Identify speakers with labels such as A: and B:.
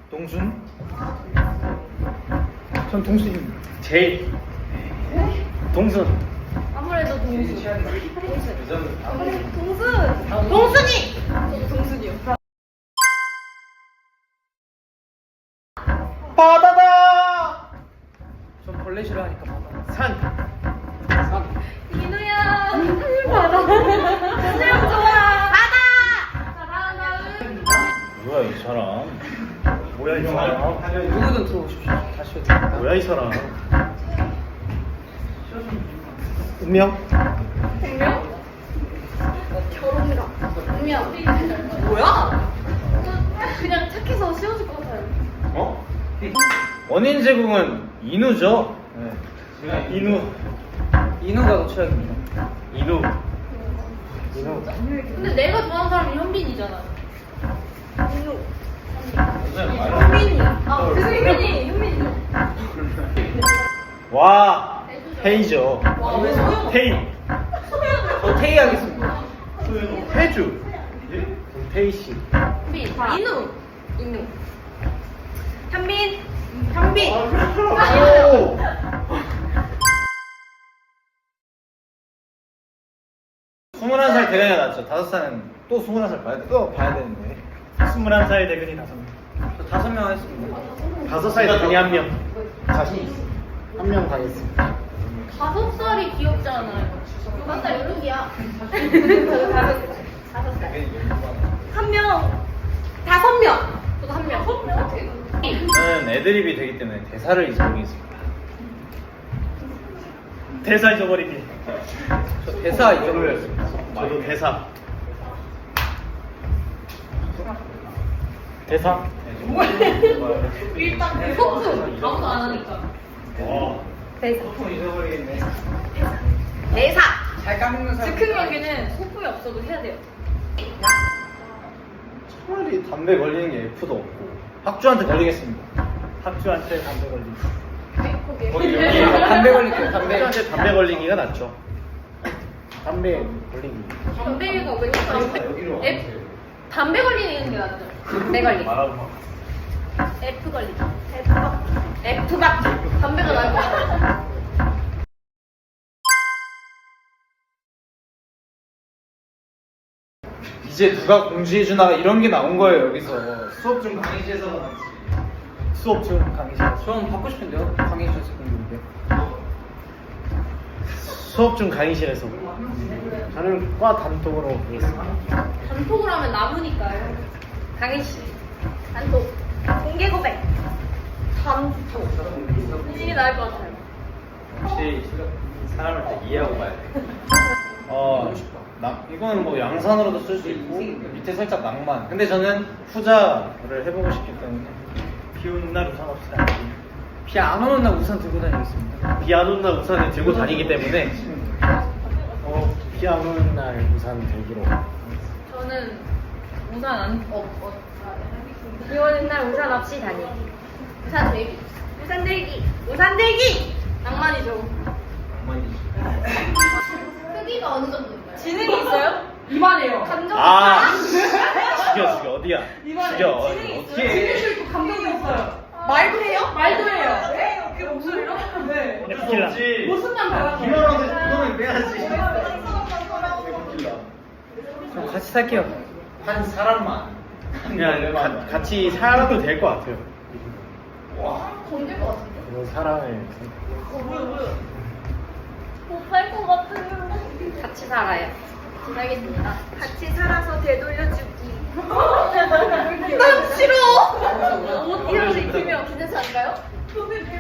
A: 동순? 전 동순입니다.
B: 제일. 동순.
C: 아무래도 동순. 아무래도 동순. 동순이. 동순이요.
A: 바다다! 전 벌레 싫어하니까 바다.
B: 산.
C: 민우야. 바다. 수영 좋아. 바다. 바다는.
B: 뭐야 이 사람? 뭐야 이 사람?
A: 누구든 들어오십시오. 다시 해드립니다.
B: 뭐야 이 사람?
A: 운명?
C: 백명? 결혼가. 운명. 뭐야? 그냥 착해서 씌워줄 것 같아요.
B: 어? 원인 제공은 인우죠.
A: 네.
B: 인우.
A: 인우가 더 최악입니다.
B: 인우.
A: 인우.
C: 근데 내가 좋아하는 사람이 현빈이잖아. 민우.
B: 현빈이.
C: 현빈이.
B: 와. 테이죠.
C: 왜 소영?
B: 테이.
A: 저 테이 하겠습니다.
B: 태주. 태희 씨.
C: 현빈. 인우. 현빈. 현빈.
B: 오. 21살 대근이 낫죠. 5살은 또 21살 봐야 되는데. 21살 대근이 5명.
A: 저 5명 하겠습니다.
B: 5살 대근이 1명.
A: 자신 있어. 한 명 가겠습니다.
C: 5살이 귀엽잖아요. 5살 연룩이야. 5살. 한 명. 5명. 저도 한 명.
B: 저는 애드립이 되기 때문에 대사를 잊어버리겠습니다. 대사 잊어버리기.
A: 저 대사 잊어버렸습니다.
B: 저도 대사. 대사.
C: 일단 소품. 아무도 안 하니까. 대사.
A: 잊어버리겠네.
C: 대사.
A: 잘 까먹는 사람.
C: 즉흥 연기는 소품이 없어도 해야 돼요.
B: 차라리 담배 걸리는 게 F도 없고 학주한테 걸리겠습니다. 학주한테 담배 걸리기.
A: 담배 걸릴게요. 담배.
B: 학주한테 담배 걸리기가 낫죠. 담배 걸리기.
C: 담배가 왜냐면 담배 걸리는 게 낫죠. 담배 걸리기. F 걸리기. F가 담배가 나을 것 같아요.
B: 이제 누가 공지해주나 이런 게 나온 거예요 여기서. 수업 중 강의실에서 나왔지. 수업 중 강의실.
A: 저는 받고 싶은데요. 강의실에서 공부인데.
B: 수업 중 강의실에서. 저는 과 단톡으로 보겠습니다.
C: 단톡을 하면 남으니까요. 강희 씨. 단톡. 공개 고백. 단톡. 이게 나을 것 같아요.
B: 혹시 사람을 다 이해하고 봐야 돼. 이거는 뭐 양산으로도 쓸 수 있고 밑에 살짝 낭만. 근데 저는 후자를 해보고 싶기 때문에 비 오는 날 우산 없이 다니기.
A: 비 안 오는 날 우산 들고 다니겠습니다.
B: 비 안 오는 날 우산을 들고 다니기 때문에 비 안 오는 날 우산 들기로.
C: 저는 우산 비 오는 날 우산 없이 다니기. 우산 들기. 우산 들기. 우산 들기. 낭만이죠. 크기가 어느 정도인가요? 지능이 있어요? 이만해요. 감정.
B: 죽여 어디야? 죽여 어떻게?
C: 감정이 있어요. 말도 해요? 말도 해요. 네? 그 목소리로? 네.
B: 없지.
C: 모습만 달라서.
B: 김원호한테 그거는 빼야지.
A: 그럼 같이 살게요.
B: 한 사람만. 그냥 같이 살아도 될 것 같아요.
C: 건들 것 같은데?
B: 그런 사랑을.
C: 뭐야. 못살 것 같아요. 같이 살아요. 알겠습니다. 같이 살아서 되돌려주기. 난 싫어. 옷 이런 거 입히면 괜찮지 않을까요?